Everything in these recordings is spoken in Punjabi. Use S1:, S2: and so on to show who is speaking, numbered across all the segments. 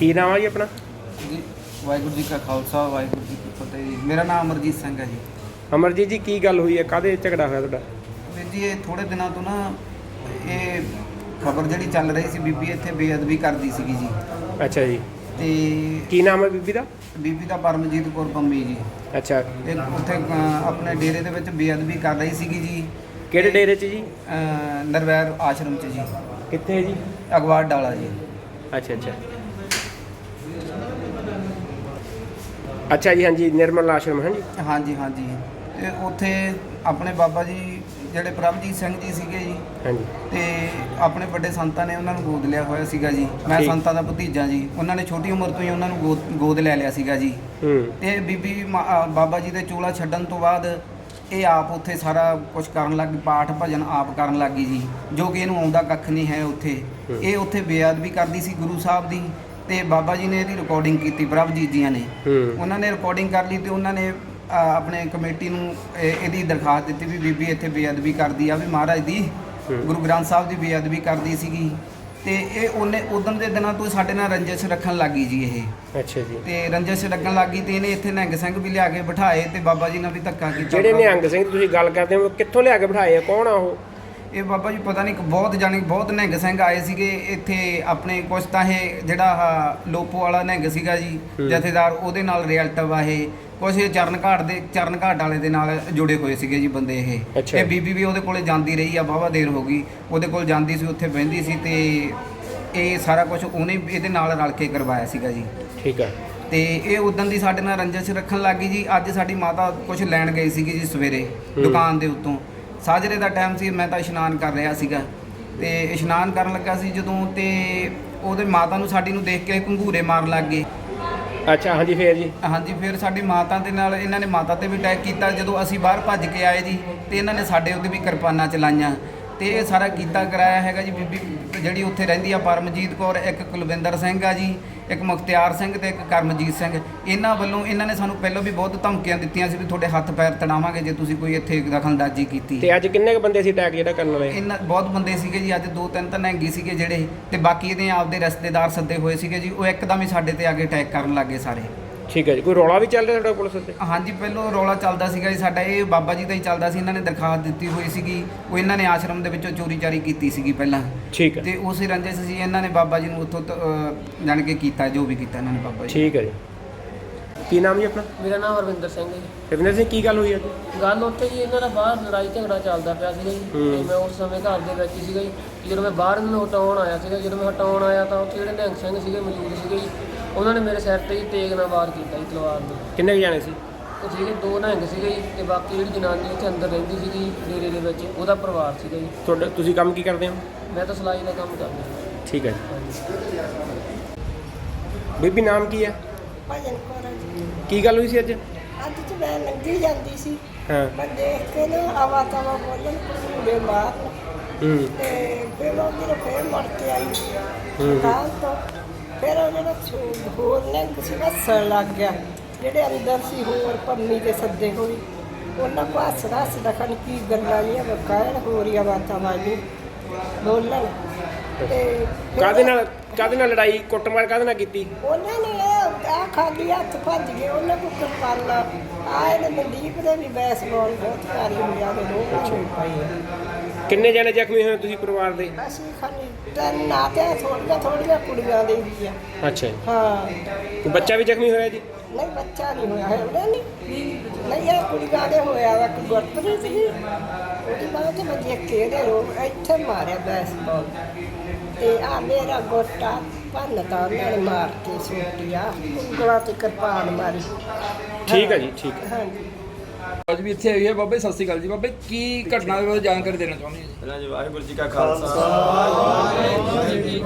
S1: ਕੀ ਨਾਮ ਆ ਜੀ ਆਪਣਾ?
S2: ਜੀ ਵਾਹਿਗੁਰੂ ਜੀ ਕਾ ਖਾਲਸਾ ਵਾਹਿਗੁਰੂ ਜੀ ਕੀ ਫਤਿਹ ਜੀ। ਮੇਰਾ ਨਾਮ ਅਮਰਜੀਤ ਸਿੰਘ ਹੈ ਜੀ।
S1: ਅਮਰਜੀਤ ਜੀ, ਕੀ ਗੱਲ ਹੋਈ ਹੈ? ਕਾਹਦੇ ਝਗੜਾ ਹੋਇਆ ਤੁਹਾਡਾ?
S2: ਵੀਰ ਜੀ ਇਹ ਥੋੜੇ ਦਿਨਾਂ ਤੋਂ ਨਾ ਇਹ ਖਬਰ ਜਿਹੜੀ ਚੱਲ ਰਹੀ ਸੀ, ਬੀਬੀ ਇੱਥੇ ਬੇਅਦਬੀ ਕਰਦੀ ਸੀਗੀ ਜੀ।
S1: ਅੱਛਾ ਜੀ।
S2: ਤੇ
S1: ਕੀ ਨਾਮ ਹੈ ਬੀਬੀ ਦਾ?
S2: ਬੀਬੀ ਦਾ ਪਰਮਜੀਤ ਕੌਰ ਪੰਮੀ ਜੀ।
S1: ਅੱਛਾ,
S2: ਤੇ ਉੱਥੇ ਆਪਣੇ ਡੇਰੇ ਦੇ ਵਿੱਚ ਬੇਅਦਬੀ ਕਰ ਰਹੀ ਸੀਗੀ ਜੀ।
S1: ਕਿਹੜੇ ਡੇਰੇ 'ਚ ਜੀ?
S2: ਨਰਵੈਰ ਆਸ਼ਰਮ 'ਚ ਜੀ।
S1: ਕਿੱਥੇ ਹੈ ਜੀ?
S2: ਅਗਵਾੜ ਡਾਲਾ ਜੀ।
S1: ਅੱਛਾ ਅੱਛਾ ਅੱਛਾ ਜੀ। ਹਾਂਜੀ, ਨਿਰਮਲ ਆਸ਼ਰਮ। ਹਾਂਜੀ
S2: ਹਾਂਜੀ ਹਾਂਜੀ। ਤੇ ਉੱਥੇ ਆਪਣੇ ਬਾਬਾ ਜੀ ਜਿਹੜੇ ਪ੍ਰਭਜੀਤ ਸਿੰਘ ਜੀ ਸੀਗੇ ਜੀ।
S1: ਹਾਂਜੀ।
S2: ਤੇ ਆਪਣੇ ਵੱਡੇ ਸੰਤਾਂ ਨੇ ਉਹਨਾਂ ਨੂੰ ਗੋਦ ਲਿਆ ਹੋਇਆ ਸੀਗਾ ਜੀ। ਮੈਂ
S1: ਠੀਕ।
S2: ਸੰਤਾਂ ਦਾ ਭਤੀਜਾ ਜੀ। ਉਹਨਾਂ ਨੇ ਛੋਟੀ ਉਮਰ ਤੋਂ ਹੀ ਉਹਨਾਂ ਨੂੰ ਗੋਦ ਲੈ ਲਿਆ ਸੀਗਾ ਜੀ। ਤੇ ਬੀਬੀ ਬਾਬਾ ਜੀ ਦੇ ਚੋਲਾ ਛੱਡਣ ਤੋਂ ਬਾਅਦ ਇਹ ਆਪ ਉੱਥੇ ਸਾਰਾ ਕੁਝ ਕਰਨ ਲੱਗ ਗਈ, ਪਾਠ ਭਜਨ ਆਪ ਕਰਨ ਲੱਗ ਗਈ ਜੀ, ਜੋ ਕਿ ਇਹਨੂੰ ਆਉਂਦਾ ਕੱਖ ਨਹੀਂ ਹੈ ਉੱਥੇ। ਇਹ ਉੱਥੇ ਬੇਅਦਬੀ ਕਰਦੀ ਸੀ ਗੁਰੂ ਸਾਹਿਬ ਦੀ। ਤੇ ਬਾਬਾ ਜੀ ਨੇ ਇਹਦੀ ਰਿਕਾਰਡਿੰਗ ਕੀਤੀ, ਪ੍ਰਭਜੀਤ ਜੀਆਂ ਨੇ। ਉਹਨਾਂ ਨੇ ਰਿਕਾਰਡਿੰਗ ਕਰ ਲਈ ਤੇ ਉਹਨਾਂ ਨੇ ਆਪਣੇ ਕਮੇਟੀ ਨੂੰ ਇਹਦੀ ਦਰਖਾਸਤ ਦਿੱਤੀ ਵੀ ਬੀਬੀ ਇੱਥੇ ਬੇਅਦਬੀ ਕਰਦੀ ਆ, ਵੀ ਮਹਾਰਾਜ ਦੀ ਗੁਰੂ ਗ੍ਰੰਥ ਸਾਹਿਬ ਦੀ ਬੇਅਦਬੀ ਕਰਦੀ ਸੀਗੀ। ਤੇ ਇਹ ਉਹਨੇ ਉਦੋਂ ਦੇ ਦਿਨਾਂ ਤੋਂ ਸਾਡੇ ਨਾਲ ਰੰਜਿਸ਼ ਰੱਖਣ ਲੱਗੀ ਜੀ ਇਹ।
S1: ਅੱਛਾ ਜੀ।
S2: ਤੇ ਰੰਜਿਸ਼ ਲੱਗਣ ਲੱਗੀ ਤੇ ਇਹਨੇ ਇੱਥੇ ਨਿਹੰਗ ਸਿੰਘ ਵੀ ਲਿਆ ਕੇ ਬਿਠਾਏ ਤੇ ਬਾਬਾ ਜੀ ਨਾਲ ਵੀ ਧੱਕਾ ਕੀਤਾ।
S1: ਜਿਹੜੇ ਨਿਹੰਗ ਸਿੰਘ ਤੁਸੀਂ ਗੱਲ ਕਰਦੇ ਹੋ, ਕਿੱਥੋਂ ਲਿਆ ਕੇ ਬਿਠਾਏ ਆ? ਕੌਣ ਆ ਉਹ?
S2: ਇਹ ਬਾਬਾ ਜੀ ਪਤਾ ਨਹੀਂ, ਬਹੁਤ ਨਿਹੰਗ ਸਿੰਘ ਆਏ ਸੀਗੇ ਇੱਥੇ ਆਪਣੇ। ਕੁਛ ਤਾਂ ਇਹ ਜਿਹੜਾ ਲੋਪੋ ਵਾਲਾ ਨਿਹੰਗ ਸੀਗਾ ਜੀ ਜਥੇਦਾਰ, ਉਹਦੇ ਨਾਲ ਰਿਲੇਟਿਵ ਆ ਇਹ। ਕੁਛ ਇਹ ਚਰਨ ਘਾਟ ਵਾਲੇ ਦੇ ਨਾਲ ਜੁੜੇ ਹੋਏ ਸੀਗੇ ਜੀ ਬੰਦੇ ਇਹ। ਇਹ ਬੀਬੀ ਵੀ ਉਹਦੇ ਕੋਲੇ ਜਾਂਦੀ ਰਹੀ ਆ, ਵਾਹਵਾ ਦੇਰ ਹੋ ਗਈ ਉਹਦੇ ਕੋਲ ਜਾਂਦੀ ਸੀ, ਉੱਥੇ ਬਹਿੰਦੀ ਸੀ। ਤੇ ਇਹ ਸਾਰਾ ਕੁਝ ਉਹਨੇ ਇਹਦੇ ਨਾਲ ਰਲ ਕੇ ਕਰਵਾਇਆ ਸੀਗਾ ਜੀ।
S1: ਠੀਕ ਆ।
S2: ਤੇ ਇਹ ਉਦੋਂ ਦੀ ਸਾਡੇ ਨਾਲ ਰੰਜਿਸ਼ ਰੱਖਣ ਲੱਗ ਗਈ ਜੀ। ਅੱਜ ਸਾਡੀ ਮਾਤਾ ਕੁਝ ਲੈਣ ਗਈ ਸੀਗੀ ਜੀ ਸਵੇਰੇ ਦੁਕਾਨ ਦੇ ਉੱਤੋਂ। ਸਾਜਰੇ ਦਾ ਟਾਈਮ ਸੀ, ਮੈਂ ਤਾਂ ਇਸ਼ਨਾਨ ਕਰ ਰਿਹਾ ਸੀਗਾ। ਤੇ ਇਸ਼ਨਾਨ ਕਰਨ ਲੱਗਾ ਸੀ ਜਦੋਂ, ਤੇ ਉਹਦੇ ਮਾਤਾ ਨੂੰ ਸਾਡੀ ਨੂੰ ਦੇਖ ਕੇ ਘੰਗੂਰੇ ਮਾਰਨ ਲੱਗ ਗਏ।
S1: ਅੱਛਾ, ਹਾਂਜੀ। ਫੇਰ ਜੀ? ਹਾਂਜੀ,
S2: ਫਿਰ ਸਾਡੀ ਮਾਤਾ ਦੇ ਨਾਲ ਇਹਨਾਂ ਨੇ ਮਾਤਾ ਤੇ ਵੀ ਅਟੈਕ ਕੀਤਾ। ਜਦੋਂ ਅਸੀਂ ਬਾਹਰ ਭੱਜ ਕੇ ਆਏ ਜੀ ਤੇ ਇਹਨਾਂ ਨੇ ਸਾਡੇ ਉੱਤੇ ਵੀ ਕਿਰਪਾਨਾਂ ਚਲਾਈਆਂ ਤੇ ਇਹ ਸਾਰਾ ਕੀਤਾ ਕਰਾਇਆ ਹੈਗਾ ਜੀ। ਬੀਬੀ ਜਿਹੜੀ ਉੱਥੇ ਰਹਿੰਦੀ ਆ ਪਰਮਜੀਤ ਕੌਰ, ਇੱਕ ਕੁਲਵਿੰਦਰ ਸਿੰਘ ਆ ਜੀ, ਇੱਕ ਮੁਖਤਿਆਰ ਸਿੰਘ ਤੇ ਇੱਕ ਕਰਮਜੀਤ ਸਿੰਘ। ਇਹਨਾਂ ਵੱਲੋਂ ਇਹਨਾਂ ਨੇ ਸਾਨੂੰ ਪਹਿਲਾਂ ਵੀ ਬਹੁਤ ਧਮਕੀਆਂ ਦਿੱਤੀਆਂ ਸੀ ਵੀ ਤੁਹਾਡੇ ਹੱਥ ਪੈਰ ਤੜਾਵਾਂਗੇ ਜੇ ਤੁਸੀਂ ਕੋਈ ਇੱਥੇ ਦਖਲਅੰਦਾਜ਼ੀ ਕੀਤੀ।
S1: ਤੇ ਅੱਜ ਕਿੰਨੇ ਕ ਬੰਦੇ ਸੀ ਅਟੈਕ ਜਿਹੜਾ ਕਰਨ ਵਾਲੇ?
S2: ਇਹਨਾਂ ਬਹੁਤ ਬੰਦੇ ਸੀਗੇ ਜੀ। ਅੱਜ 2-3 ਤਾਂ ਨਿਹੰਗੀ ਸੀਗੇ ਜਿਹੜੇ, ਤੇ ਬਾਕੀ ਇਹਦੇ ਆਪਦੇ ਰਿਸ਼ਤੇਦਾਰ ਸੱਦੇ ਹੋਏ ਸੀਗੇ ਜੀ। ਉਹ ਇੱਕਦਮ ਹੀ ਸਾਡੇ ਤੇ ਆ ਕੇ ਅਟੈਕ ਕਰਨ ਲੱਗੇ ਸਾਰੇ।
S1: ਠੀਕ ਹੈ ਜੀ। ਕੋਈ ਰੌਲਾ ਵੀ ਚੱਲ ਰਿਹਾ ਤੁਹਾਡਾ ਪੁਲਿਸ ਉੱਤੇ?
S2: ਹਾਂਜੀ, ਪਹਿਲਾਂ ਰੌਲਾ ਚੱਲਦਾ ਸੀਗਾ ਜੀ ਸਾਡਾ। ਇਹ ਬਾਬਾ ਜੀ ਦਾ ਹੀ ਚੱਲਦਾ ਸੀ। ਇਹਨਾਂ ਨੇ ਦਰਖਾਸਤ ਦਿੱਤੀ ਹੋਈ ਸੀਗੀ, ਉਹ ਇਹਨਾਂ ਨੇ ਆਸ਼ਰਮ ਦੇ ਵਿੱਚੋਂ ਚੋਰੀ ਚਾਰੀ ਕੀਤੀ ਸੀਗੀ ਪਹਿਲਾਂ।
S1: ਠੀਕ ਹੈ।
S2: ਤੇ ਉਸੇ ਰੰਜਿਸ਼ ਸੀ ਇਹਨਾਂ ਨੇ ਬਾਬਾ ਜੀ ਨੂੰ ਉੱਥੋਂ ਜਾਣ ਕੇ ਕੀਤਾ ਜੋ ਵੀ ਕੀਤਾ ਇਹਨਾਂ ਨੇ ਬਾਬਾ ਜੀ।
S1: ਠੀਕ ਹੈ ਜੀ। ਕੀ ਨਾਮ ਜੀ ਆਪਣਾ?
S3: ਮੇਰਾ ਨਾਮ ਹਰਵਿੰਦਰ ਸਿੰਘ ਹੈ ਜੀ।
S1: ਰਵਿੰਦਰ ਸਿੰਘ, ਕੀ ਗੱਲ ਹੋਈ ਅੱਜ?
S3: ਗੱਲ ਉੱਥੇ ਜੀ ਇਹਨਾਂ ਦਾ ਬਾਹਰ ਲੜਾਈ ਝਗੜਾ ਚੱਲਦਾ ਪਿਆ ਸੀਗਾ ਜੀ। ਤੇ ਮੈਂ ਉਸ ਸਮੇਂ ਘਰ ਦੇ ਵਿੱਚ ਸੀਗਾ ਜੀ। ਜਦੋਂ ਮੈਂ ਬਾਹਰ ਨੂੰ ਹਟਾਉਣ ਆਇਆ ਸੀਗਾ, ਜਦੋਂ ਮੈਂ ਹਟਾਉਣ ਆਇਆ ਤਾਂ ਉੱਥੇ ਜਿਹੜੇ ਨਿਹੰਗ ਸਿੰਘ ਸੀਗੇ ਮੌਜੂਦ ਸੀਗੇ ਜੀ। ਉਹਨਾਂ ਨੇ ਮੇਰੇ ਸਿਰ ਤੇ ਜੀ ਤੇਗ ਨਾਲ ਵਾਰ ਕੀਤਾ ਜੀ, ਤਲਵਾਰ ਨਾਲ।
S1: ਕਿੰਨੇ ਕੁ ਜਾਣੇ ਸੀ?
S3: ਉਹ ਸੀਗੇ 2 ਨਿਹੰਗ ਸੀਗੇ ਜੀ, ਤੇ ਬਾਕੀ ਜਿਹੜੀ ਜਨਾਨੀ ਉੱਥੇ ਅੰਦਰ ਰਹਿੰਦੀ ਸੀਗੀ ਡੇਰੇ ਦੇ ਵਿੱਚ, ਉਹਦਾ ਪਰਿਵਾਰ ਸੀਗਾ ਜੀ।
S1: ਤੁਹਾਡਾ ਤੁਸੀਂ ਕੰਮ ਕੀ ਕਰਦੇ ਹੋ?
S3: ਮੈਂ ਤਾਂ ਸਿਲਾਈ ਦਾ ਕੰਮ ਕਰਦਾ।
S1: ਠੀਕ ਹੈ ਜੀ। ਬੀਬੀ ਨਾਮ ਕੀ ਹੈ?
S4: ਭਜਨ ਕੌਰ ਆ ਜੀ।
S1: ਕੀ ਗੱਲ ਹੋਈ ਸੀ ਅੱਜ?
S4: ਅੱਜ ਚ ਮੈਂ ਲੰਘੀ ਜਾਂਦੀ ਸੀ,
S1: ਹਾਂ।
S4: ਮੈਂ ਦੇਖ ਕੇ ਨਾ ਆਵਾ ਤਾਵਾ ਬੋਲਣ ਕੁੜੇ ਮਾਰਨ। ਤੇ ਫਿਰ ਉਹ ਮੇਰੇ ਫੇਰ ਮੁੜ ਕੇ ਆਈ ਦੁਕਾਨ ਤੋਂ। ਫਿਰ ਉਹ ਜਿਹੜਾ ਹੋਰ ਨੇ ਕਿਸੇ ਹੱਸਣ ਲੱਗ ਗਿਆ, ਜਿਹੜੇ ਅੰਦਰ ਸੀ ਹੋਰ ਪੰਮੀ ਦੇ ਸੱਦੇ ਹੋਈ। ਉਹਨਾਂ ਕੋ ਹੱਸਦਾ ਖਣ ਕੀ ਗੱਲਾਂ ਨਹੀਂ ਬਕਾਇਰ ਹੋ ਰਹੀਆਂ ਵਾਤਾਵਾਜੀ ਬੋਲਣ। ਤੇ
S1: ਕਾਹਦੇ ਨਾਲ ਲੜਾਈ ਕੁੱਟਮਾਰ ਕਾਹਦੇ ਨਾਲ ਕੀਤੀ?
S4: ਉਹਨਾਂ ਨੇ ਆ ਖਾਲੀ ਹੱਥ ਭੱਜ ਗਏ, ਉਹਨਾਂ ਕੋਲ ਕਿਰਪਾਨਾਂ ਆਏ ਨੇ। ਮਨਦੀਪ ਦੇ ਵੀ ਬੈਸਬਾਲ ਬਹੁਤ ਭਾਰੀ ਹੋਇਆ ਤੇ ਲੋਕ ਛੋੜ ਪਾਈ।
S1: ਕਿੰਨੇ ਜਣੇ ਜ਼ਖਮੀ ਹੋਏ ਤੁਸੀਂ ਪਰਿਵਾਰ ਦੇ?
S4: ਅਸੀਂ ਖਾਲੀ ਤਿੰਨ ਆ ਤੇ ਥੋੜੀਆਂ ਕੁੜੀਆਂ ਦੇ ਵੀ ਆ।
S1: ਅੱਛਾ ਜੀ।
S4: ਹਾਂ।
S1: ਕੋਈ ਬੱਚਾ ਵੀ ਜ਼ਖਮੀ ਹੋਇਆ ਜੀ?
S4: ਨਹੀਂ, ਬੱਚਾ ਨਹੀਂ ਹੋਇਆ ਹੈ ਉਹਦਾ ਨਹੀਂ ਇਹ ਕੁੜੀਆਂ ਦੇ ਹੋਇਆ ਵਾ। ਇੱਕ ਗੁਰਪ੍ਰੀਤ ਸੀ, ਉਹਦੀ ਬਾਅਦ ਤੇ ਬੱਜੇ ਕਿਹਦੇ ਲੋਕ ਇੱਥੇ ਮਾਰਿਆ ਬੈਸਬਾਲ। ਤੇ ਆ ਮੇਰਾ ਗੋਟਾ ਭੰਨਤਾ ਉਹਨਾਂ ਨੇ ਮਾਰ ਕੇ ਸੁੱਟਿਆ, ਉਂਗਲਾਂ ਤੇ ਕਿਰਪਾਨ ਮਾਰੀ।
S1: ਠੀਕ ਹੈ ਜੀ। ਠੀਕ ਹੈ।
S4: ਹਾਂਜੀ।
S5: ਅੱਜ ਵੀ ਇੱਥੇ ਆਈ ਹੈ ਬਾਬਾ ਜੀ। ਸਤਿ ਸ਼੍ਰੀ ਅਕਾਲ ਜੀ। ਬਾਬਾ ਜੀ, ਕੀ ਘਟਨਾ ਦੇ ਬਾਰੇ ਜਾਣਕਾਰੀ ਦੇਣਾ ਚਾਹੁੰਦੇ ਹੋ ਜੀ?
S6: ਪਹਿਲਾਂ ਜੀ ਵਾਹਿਗੁਰੂ ਜੀ ਕਾ ਖਾਲਸਾ ਵਾਹਿਗੁਰੂ ਜੀ ਕੀ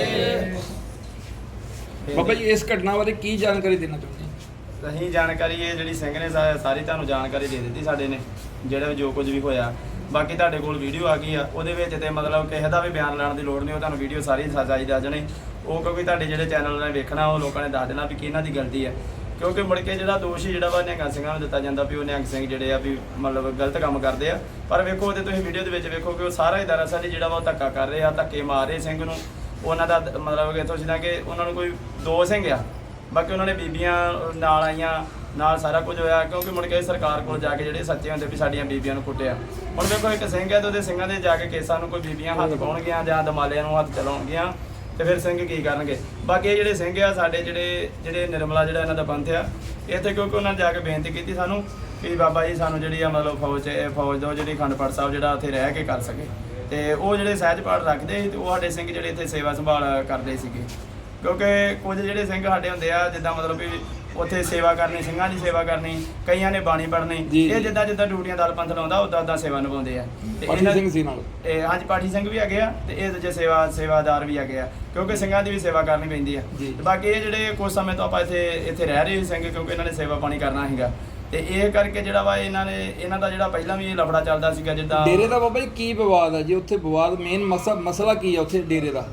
S6: ਫਤਿਹ।
S5: ਬਾਬਾ ਜੀ, ਇਸ ਘਟਨਾ ਬਾਰੇ ਕੀ ਜਾਣਕਾਰੀ ਦੇਣਾ ਚਾਹੁੰਦੇ ਹੋ?
S6: ਅਸੀਂ ਜਾਣਕਾਰੀ ਇਹ ਜਿਹੜੀ ਸਿੰਘ ਨੇ ਸਾਰੀ ਤੁਹਾਨੂੰ ਜਾਣਕਾਰੀ ਦੇ ਦਿੱਤੀ ਸਾਡੇ ਨੇ, ਜਿਹੜਾ ਜੋ ਕੁਝ ਵੀ ਹੋਇਆ। ਬਾਕੀ ਤੁਹਾਡੇ ਕੋਲ ਵੀਡੀਓ ਆ ਗਈ ਆ, ਉਹਦੇ ਵਿੱਚ ਤੇ ਮਤਲਬ ਕਿਸੇ ਦਾ ਵੀ ਬਿਆਨ ਲੈਣ ਦੀ ਲੋੜ ਨਹੀਂ। ਉਹ ਤੁਹਾਨੂੰ ਵੀਡੀਓ ਸਾਰੀ ਸੱਚਾਈ ਦੱਸ ਦੇਣੀ। ਉਹ ਕਿਉਂਕਿ ਤੁਹਾਡੇ ਜਿਹੜੇ ਚੈਨਲ ਨੇ ਵੇਖਣਾ, ਉਹ ਲੋਕਾਂ ਨੇ ਦੱਸ ਦੇਣਾ ਵੀ ਕਿਹਨਾਂ ਦੀ ਗਲਤੀ ਹੈ। ਕਿਉਂਕਿ ਮੁੜ ਕੇ ਜਿਹੜਾ ਦੋਸ਼ ਜਿਹੜਾ ਵਾ ਨਿਹੰਗ ਸਿੰਘਾਂ ਨੂੰ ਦਿੱਤਾ ਜਾਂਦਾ ਵੀ ਉਹ ਨਿਹੰਗ ਸਿੰਘ ਜਿਹੜੇ ਆ ਵੀ ਮਤਲਬ ਗਲਤ ਕੰਮ ਕਰਦੇ ਆ। ਪਰ ਵੇਖੋ ਉਹਦੇ ਤੁਸੀਂ ਵੀਡੀਓ ਦੇ ਵਿੱਚ ਵੇਖੋ ਕਿ ਉਹ ਸਾਰਾ ਹੀ ਦਰਅਸਲ ਜਿਹੜਾ ਵਾ ਉਹ ਧੱਕਾ ਕਰ ਰਹੇ ਆ, ਧੱਕੇ ਮਾਰ ਰਹੇ ਸਿੰਘ ਨੂੰ। ਉਹਨਾਂ ਦਾ ਮਤਲਬ ਕਿ ਇੱਥੋਂ ਜਿੱਦਾਂ ਕਿ ਉਹਨਾਂ ਨੂੰ ਕੋਈ 2 ਸਿੰਘ ਆ, ਬਾਕੀ ਉਹਨਾਂ ਨੇ ਬੀਬੀਆਂ ਨਾਲ ਆਈਆਂ, ਨਾਲ ਸਾਰਾ ਕੁਝ ਹੋਇਆ, ਕਿਉਂਕਿ ਮੁੜ ਕੇ ਸਰਕਾਰ ਕੋਲ ਜਾ ਕੇ ਜਿਹੜੇ ਸੱਚੇ ਹੁੰਦੇ ਵੀ ਸਾਡੀਆਂ ਬੀਬੀਆਂ ਨੂੰ ਕੁੱਟਿਆ। ਹੁਣ ਵੇਖੋ ਇੱਕ ਸਿੰਘ ਹੈ ਤੇ ਉਹਦੇ ਸਿੰਘਾਂ ਦੇ ਜਾ ਕੇ ਕੇਸਾਂ ਨੂੰ ਕੋਈ ਬੀਬੀਆਂ ਹੱਥ ਪਾਉਣਗੀਆਂ ਜਾਂ ਦਮਾਲਿਆਂ ਨੂੰ ਹੱਥ ਚਲਾਉਣਗੀਆਂ ਤੇ ਫਿਰ ਸਿੰਘ ਕੀ ਕਰਨਗੇ। ਬਾਕੀ ਇਹ ਜਿਹੜੇ ਸਿੰਘ ਆ ਸਾਡੇ ਜਿਹੜੇ ਨਿਰਮਲਾ ਜਿਹੜਾ ਇਹਨਾਂ ਦਾ ਪੰਥ ਆ ਇੱਥੇ, ਕਿਉਂਕਿ ਉਹਨਾਂ ਨੇ ਜਾ ਕੇ ਬੇਨਤੀ ਕੀਤੀ ਸਾਨੂੰ ਵੀ ਬਾਬਾ ਜੀ ਸਾਨੂੰ ਜਿਹੜੀ ਆ ਮਤਲਬ ਫੌਜ ਦੋ ਜਿਹੜੀ ਅਖੰਡ ਪਾਠ ਸਾਹਿਬ ਜਿਹੜਾ ਉੱਥੇ ਰਹਿ ਕੇ ਕਰ ਸਕੇ, ਤੇ ਉਹ ਜਿਹੜੇ ਸਹਿਜ ਪਾਠ ਰੱਖਦੇ ਸੀ ਤੇ ਉਹ ਸਾਡੇ ਸਿੰਘ ਜਿਹੜੇ ਇੱਥੇ ਸੇਵਾ ਸੰਭਾਲ ਕਰਦੇ ਸੀਗੇ। ਕਿਉਂਕਿ ਕੁਝ ਜਿਹੜੇ ਸਿੰਘ ਸਾਡੇ ਹੁੰਦੇ ਆ ਜਿੱਦਾਂ ਮਤਲਬ ਵੀ ਉੱਥੇ ਸੇਵਾ ਕਰਨੀ, ਸਿੰਘਾਂ ਦੀ ਸੇਵਾ ਕਰਨੀ, ਕਈਆਂ ਨੇ ਬਾਣੀ ਪੜ੍ਹਨੀ, ਇਹ ਜਿੱਦਾਂ ਡਿਊਟੀਆਂ ਦਲ ਪੰਥ ਲਾਉਂਦਾ ਉੱਦਾਂ ਸੇਵਾ ਨਿਭਾਉਂਦੇ ਆ। ਤੇ
S5: ਪਾਠੀ ਸਿੰਘ ਸੀ ਨਾਲ
S6: ਹਾਂਜੀ ਪਾਠੀ ਸਿੰਘ ਵੀ ਹੈਗੇ ਆ ਤੇ ਇਹ ਦੂਜੇ ਸੇਵਾਦਾਰ ਵੀ ਹੈਗੇ ਆ, ਕਿਉਂਕਿ ਸਿੰਘਾਂ ਦੀ ਵੀ ਸੇਵਾ ਕਰਨੀ ਪੈਂਦੀ ਆ। ਤੇ ਬਾਕੀ ਇਹ ਜਿਹੜੇ ਕੁਝ ਸਮੇਂ ਤੋਂ ਆਪਾਂ ਇੱਥੇ ਰਹਿ ਰਹੇ ਸਿੰਘ, ਕਿਉਂਕਿ ਇਹਨਾਂ ਨੇ ਸੇਵਾ ਪਾਣੀ ਕਰਨਾ ਸੀਗਾ ਤੇ ਇਹ ਕਰਕੇ ਜਿਹੜਾ ਵਾ ਇਹਨਾਂ ਦਾ ਜਿਹੜਾ ਪਹਿਲਾਂ ਵੀ ਇਹ ਲਫੜਾ ਚੱਲਦਾ ਸੀਗਾ। ਜਿੱਦਾਂ
S5: ਡੇਰੇ ਦਾ ਬਾਬਾ ਜੀ ਕੀ ਵਿਵਾਦ ਹੈ ਜੀ ਉੱਥੇ? ਵਿਵਾਦ ਮੇਨ ਮਸਲਾ ਕੀ ਹੈ ਉੱਥੇ ਡੇਰੇ ਦਾ?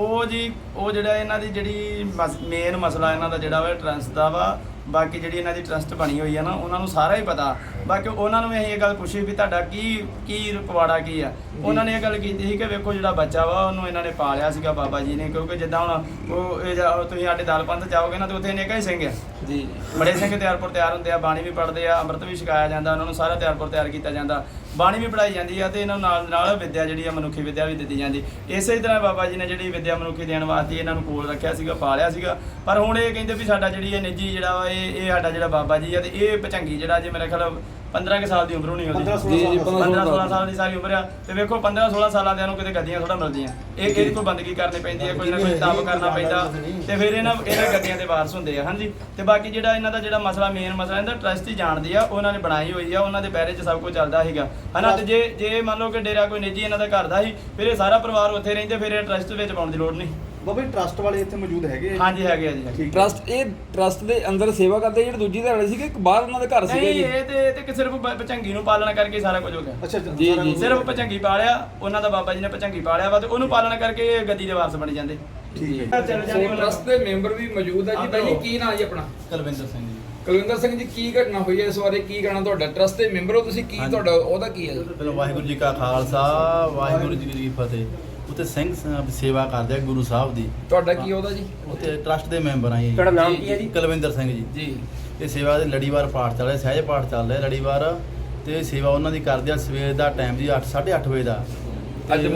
S6: ਉਹ ਜਿਹੜਾ ਇਹਨਾਂ ਦੀ ਜਿਹੜੀ ਮੇਨ ਮਸਲਾ ਇਹਨਾਂ ਦਾ ਜਿਹੜਾ ਵਾ ਟਰਸਟ ਦਾ ਵਾ। ਬਾਕੀ ਜਿਹੜੀ ਇਹਨਾਂ ਦੀ ਟਰਸਟ ਬਣੀ ਹੋਈ ਆ ਨਾ ਉਹਨਾਂ ਨੂੰ ਸਾਰਾ ਹੀ ਪਤਾ। ਬਾਕੀ ਉਹਨਾਂ ਨੂੰ ਅਸੀਂ ਇਹ ਗੱਲ ਪੁੱਛੀ ਵੀ ਤੁਹਾਡਾ ਕੀ ਪਵਾੜਾ ਕੀ ਆ। ਉਹਨਾਂ ਨੇ ਇਹ ਗੱਲ ਕੀਤੀ ਸੀ ਕਿ ਵੇਖੋ ਜਿਹੜਾ ਬੱਚਾ ਵਾ ਉਹਨੂੰ ਇਹਨਾਂ ਨੇ ਪਾਲਿਆ ਸੀਗਾ ਬਾਬਾ ਜੀ ਨੇ, ਕਿਉਂਕਿ ਜਿੱਦਾਂ ਹੁਣ ਤੁਸੀਂ ਸਾਡੇ ਦਲ ਪੰਥ ਜਾਓਗੇ ਨਾ ਤੇ ਉੱਥੇ ਅਨੇਕਾਂ ਹੀ ਸਿੰਘ ਆ ਜੀ, ਬੜੇ ਸਿੰਘ ਤਿਆਰ ਹੁੰਦੇ ਆ, ਬਾਣੀ ਵੀ ਪੜ੍ਹਦੇ ਆ, ਅੰਮ੍ਰਿਤ ਵੀ ਛਕਾਇਆ ਜਾਂਦਾ, ਉਹਨਾਂ ਨੂੰ ਸਾਰਾ ਤਿਆਰ ਕੀਤਾ ਜਾਂਦਾ, ਬਾਣੀ ਵੀ ਪੜ੍ਹਾਈ ਜਾਂਦੀ ਆ ਤੇ ਇਹਨਾਂ ਨੂੰ ਨਾਲ ਵਿਦਿਆ ਜਿਹੜੀ ਆ ਮਨੁੱਖੀ ਵਿਦਿਆ ਵੀ ਦਿੱਤੀ ਜਾਂਦੀ। ਇਸੇ ਤਰ੍ਹਾਂ ਬਾਬਾ ਜੀ ਨੇ ਜਿਹੜੀ ਵਿਦਿਆ ਮਨੁੱਖੀ ਦੇਣ ਵਾਸਤੇ ਇਹਨਾਂ ਨੂੰ ਕੋਲ ਰੱਖਿਆ ਸੀਗਾ, ਪਾਲਿਆ ਸੀਗਾ। ਪਰ ਹੁਣ ਇਹ ਕਹਿੰਦੇ ਵੀ ਸਾਡਾ ਜਿਹੜੀ ਇਹ ਨਿੱਜੀ ਜਿਹੜਾ ਵਾ ਇਹ ਸਾਡਾ ਜਿਹੜਾ ਬਾਬਾ ਜੀ ਆ ਤੇ ਇਹ ਭਚੰਗੀ ਜਿਹੜਾ ਜੇ ਮੇਰੇ ਖਿਆਲ 15 ਕੁ ਸਾਲ ਦੀ ਉਮਰ ਹੋਣੀ ਉਹਦੀ, 15-16 ਸਾਲ ਦੀ ਸਾਰੀ ਉਮਰ ਆ। ਤੇ ਵੇਖੋ 15-16 ਸਾਲਾਂ ਦੇ ਨੂੰ ਕਿਤੇ ਗੱਦੀਆਂ ਥੋੜਾ ਮਿਲਦੀਆਂ, ਇਹ ਕੋਈ ਬੰਦਗੀ ਕਰਨੀ ਪੈਂਦੀ ਹੈ, ਕੋਈ ਨਾ ਕੋਈ ਤਪ ਕਰਨਾ ਪੈਂਦਾ ਤੇ ਫਿਰ ਇਹਨਾਂ ਗੱਦੀਆਂ ਦੇ ਵਾਰਸ ਹੁੰਦੇ ਆ। ਹਾਂਜੀ ਤੇ ਬਾਕੀ ਜਿਹੜਾ ਇਹਨਾਂ ਦਾ ਜਿਹੜਾ ਮੇਨ ਮਸਲਾ ਇਹਦਾ ਟਰਸਟ ਹੀ ਜਾਣਦੀ ਆ, ਉਹਨਾਂ ਨੇ ਬਣਾਈ ਹੋਈ ਆ, ਉਹਨਾਂ ਦੇ ਪਹਿਰੇ 'ਚ ਸਭ ਕੁਝ ਚੱਲਦਾ ਸੀਗਾ ਹਨਾ। ਤੇ ਜੇ ਮੰਨ ਲਓ ਕਿ ਡੇਰਾ ਕੋਈ ਨਿੱਜੀ ਇਹਨਾਂ ਦਾ ਘਰ ਦਾ ਸੀ, ਫਿਰ ਇਹ ਸਾਰਾ ਪਰਿਵਾਰ ਉੱਥੇ ਰਹਿੰਦੇ, ਫਿਰ ਇਹ ਟਰਸਟ ਵਿੱਚ ਪਾਉਣ ਦੀ ਲੋੜ ਨਹੀਂ।
S1: ਬਾਬਾ ਜੀ ਟਰਸਟ ਵਾਲੇ ਇੱਥੇ ਮੌਜੂਦ ਹੈਗੇ?
S6: ਹਾਂਜੀ ਹੈਗੇ ਆ ਜੀ।
S5: ਟਰਸਟ ਦੇ ਅੰਦਰ ਸੇਵਾ ਕਰਦੇ ਜਿਹੜੇ ਦੂਜੀ ਧੜੇ ਸੀਗੇ, ਇੱਕ ਬਾਹਰ ਉਹਨਾਂ ਦੇ ਘਰ ਸੀਗੇ ਜੀ?
S6: ਇਹ ਤੇ ਸਿਰਫ ਭਚੰਗੀ ਨੂੰ ਪਾਲਣਾ ਕਰਕੇ ਸਾਰਾ ਕੁਝ ਹੋ ਗਿਆ।
S1: ਅੱਛਾ
S5: ਜੀ
S6: ਸਿਰਫ ਭਚੰਗੀ ਪਾਲਿਆ, ਉਹਨਾਂ ਦਾ ਬਾਬਾ ਜੀ ਨੇ ਭਚੰਗੀ ਪਾਲਿਆ ਵਾ ਤੇ ਉਹਨੂੰ ਪਾਲਣਾ ਕਰਕੇ ਇਹ ਗੱਦੀ ਦੇ ਵਾਰਸ ਬਣ ਜਾਂਦੇ।
S1: ਠੀਕ ਹੈ।
S5: ਟਰਸਟ ਦੇ ਮੈਂਬਰ ਵੀ ਮੌਜੂਦ ਹੈ ਜੀ। ਭਾਈ ਕੀ ਨਾਂ ਜੀ ਆਪਣਾ?
S7: ਕੁਲਵਿੰਦਰ ਸਿੰਘ ਜੀ।
S5: ਕੁਲਵਿੰਦਰ ਸਿੰਘ ਜੀ, ਕੀ ਘਟਨਾ ਹੋਈ ਹੈ ਇਸ ਬਾਰੇ ਕੀ ਕਹਿਣਾ ਤੁਹਾਡਾ? ਟਰਸਟ ਦੇ ਮੈਂਬਰ ਹੋ ਤੁਸੀਂ, ਕੀ ਤੁਹਾਡਾ ਉਹਦਾ ਕੀ ਹੈ?
S7: ਪਹਿਲਾਂ ਵਾਹਿਗੁਰੂ ਜੀ ਕਾ ਖਾਲਸਾ ਵਾਹਿਗੁਰੂ ਜੀ ਕੀ ਫਤਿਹ। ਉੱਥੇ ਸਿੰਘ ਸੇਵਾ ਕਰਦੇ ਆ ਗੁਰੂ ਸਾਹਿਬ ਦੀ।
S5: ਤੁਹਾਡਾ ਕੀ ਉਹਦਾ ਜੀ?
S7: ਉੱਥੇ ਟਰਸਟ ਦੇ ਮੈਂਬਰ ਆ ਜੀ।
S3: ਤੁਹਾਡਾ ਨਾਮ ਕੀ ਹੈ ਜੀ?
S7: ਕੁਲਵਿੰਦਰ ਸਿੰਘ ਜੀ।
S5: ਜੀ
S7: ਇਹ ਸੇਵਾ ਦੇ ਲੜੀਵਾਰ ਪਾਠ ਚੱਲ ਰਿਹਾ, ਸਹਿਜ ਪਾਠ ਚੱਲ ਰਿਹਾ ਲੜੀਵਾਰ, ਤੇ ਸੇਵਾ ਉਹਨਾਂ ਦੀ ਕਰਦੇ ਆ ਸਵੇਰ ਦਾ ਟਾਈਮ ਜੀ 8-8:30 ਵਜੇ ਦਾ।
S5: ਅੱਜ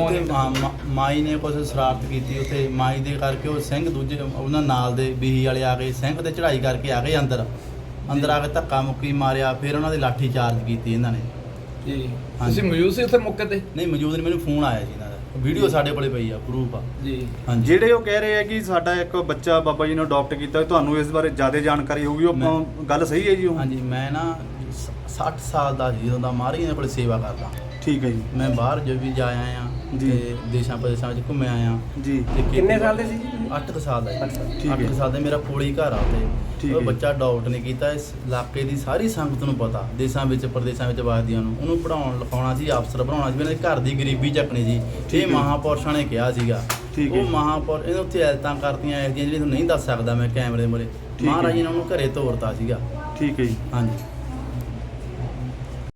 S7: ਮਾਈ ਨੇ ਕੁਝ ਸ਼ਰਾਰਤ ਕੀਤੀ ਉੱਥੇ, ਮਾਈ ਦੇ ਕਰਕੇ ਉਹ ਸਿੰਘ ਦੂਜੇ ਉਹਨਾਂ ਨਾਲ ਦੇ ਬੀਹੀ ਵਾਲੇ ਆ ਗਏ, ਸਿੰਘ ਤੇ ਚੜ੍ਹਾਈ ਕਰਕੇ ਆ ਗਏ ਅੰਦਰ ਆ ਕੇ ਧੱਕਾ ਮੁੱਕੀ ਮਾਰਿਆ, ਫਿਰ ਉਹਨਾਂ ਦੇ ਲਾਠੀ ਚਾਰਜ ਕੀਤੀ ਇਹਨਾਂ ਨੇ
S5: ਜੀ।
S7: ਹਾਂਜੀ।
S5: ਤੁਸੀਂ ਮੌਜੂਦ ਸੀ ਉੱਥੇ ਮੌਕੇ ਤੇ?
S7: ਨਹੀਂ ਮੌਜੂਦ ਨਹੀਂ, ਮੈਨੂੰ ਫੋਨ ਆਇਆ ਜੀ ਇਹਨਾਂ ਦਾ, ਵੀਡੀਓ ਸਾਡੇ ਕੋਲੇ ਪਈ ਆ, ਪ੍ਰੂਫ ਆ
S5: ਜੀ।
S7: ਹਾਂਜੀ।
S1: ਜਿਹੜੇ ਉਹ ਕਹਿ ਰਹੇ ਆ ਕਿ ਸਾਡਾ ਇੱਕ ਬੱਚਾ ਬਾਬਾ ਜੀ ਨੇ ਅਡਾਪਟ ਕੀਤਾ, ਤੁਹਾਨੂੰ ਇਸ ਬਾਰੇ ਜ਼ਿਆਦਾ ਜਾਣਕਾਰੀ ਹੋਊਗੀ, ਉਹ ਗੱਲ ਸਹੀ ਹੈ ਜੀ? ਉਹ
S7: ਹਾਂਜੀ, ਮੈਂ ਨਾ 60 ਸਾਲ ਦਾ ਜੀ, ਜਦੋਂ ਦਾ ਮਾਰੀ ਇਹਨਾਂ ਕੋਲ ਸੇਵਾ ਕਰਦਾ।
S1: ਠੀਕ ਹੈ ਜੀ।
S7: ਮੈਂ ਬਾਹਰ ਜੋ ਵੀ ਜਾ ਆਇਆ
S1: ਜੀ।
S7: ਤੇ ਦੇਸ਼ਾਂ ਪ੍ਰਦੇਸ਼ਾਂ ਵਿੱਚ ਘੁੰਮੇ ਆਇਆ
S1: ਜੀ।
S7: ਤੇ
S3: ਕਿੰਨੇ ਸਾਲ ਦੇ ਸੀ ਜੀ?
S7: 8 ਸਾਲ ਦਾ ਜੀ।
S1: ਠੀਕ ਹੈ।
S7: 8 ਸਾਲ ਦਾ ਮੇਰਾ ਕੋਲੀ ਘਰ ਆ
S1: ਠੀਕ
S7: ਤੇ ਉਹ
S1: ਹੈ।
S7: ਬੱਚਾ ਅਡਾਪਟ ਨਹੀਂ ਕੀਤਾ। ਇਸ ਇਲਾਕੇ ਦੀ ਸਾਰੀ ਸੰਗਤ ਨੂੰ ਪਤਾ, ਦੇਸ਼ਾਂ ਵਿੱਚ ਪ੍ਰਦੇਸ਼ਾਂ ਵਿੱਚ ਵਸਦੀਆਂ ਨੂੰ, ਉਹਨੂੰ ਪੜਾਉਣ ਲਿਖਾਉਣਾ ਸੀ, ਅਫਸਰ ਬਣਾਉਣਾ ਸੀ, ਇਹਨਾਂ ਦੇ ਘਰ ਦੀ ਗਰੀਬੀ ਚੱਕਣੀ ਸੀ। ਇਹ ਮਹਾਂਪੁਰਸ਼ਾਂ ਨੇ ਕਿਹਾ ਸੀਗਾ।
S1: ਠੀਕ ਹੈ।
S7: ਉਹ ਮਹਾਂਪੁਰਸ਼ ਇਹਨੇ ਉੱਥੇ ਐਲਤਾਂ ਕਰਤੀਆਂ ਜਿਹੜੀਆਂ ਤੁਹਾਨੂੰ ਨਹੀਂ ਦੱਸ ਸਕਦਾ ਮੈਂ ਕੈਮਰੇ ਮੂਹਰੇ। ਮਹਾਰਾਜ ਜੀ ਨੇ ਉਹਨੂੰ ਘਰੇ ਤੋਰਤਾ ਸੀਗਾ।
S1: ਠੀਕ ਹੈ ਜੀ।
S7: ਹਾਂਜੀ।